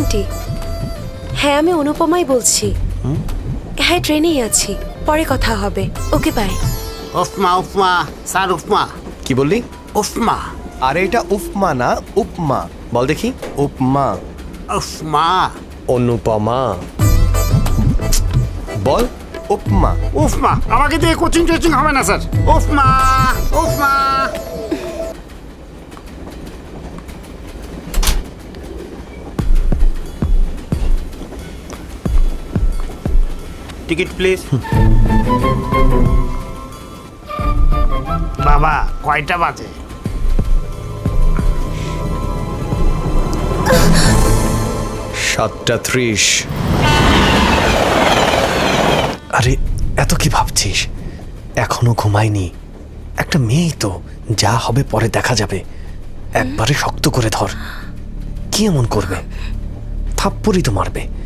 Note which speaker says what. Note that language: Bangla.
Speaker 1: আন্টি। হ্যাঁ, আমি অনুপমাই বলছি। হ্যাঁ, ট্রেনেই আছি, পরে কথা হবে। Okay, bye.
Speaker 2: Upama Upama sir, উপমা।
Speaker 3: কি বললি?
Speaker 2: উপমা।
Speaker 3: আরে এটা উফমা না, উপমা। বল দেখি। উপমা।
Speaker 2: উপমা।
Speaker 3: অনুপমা। বল উপমা।
Speaker 2: উপমা। আমাকে দিয়ে কোচিং টোচিং হবে না sir. Upama Upama.
Speaker 4: Ticket please.
Speaker 2: বাবা, কয়টা বাজে?
Speaker 3: 7:30। আরে এত কি ভাবছিস? এখনো ঘুমায়নি। একটা মেয়েই তো, যা হবে পরে দেখা যাবে। একবারে শক্ত করে ধর। কি এমন করবে? থাপ্পড়ই তো মারবে।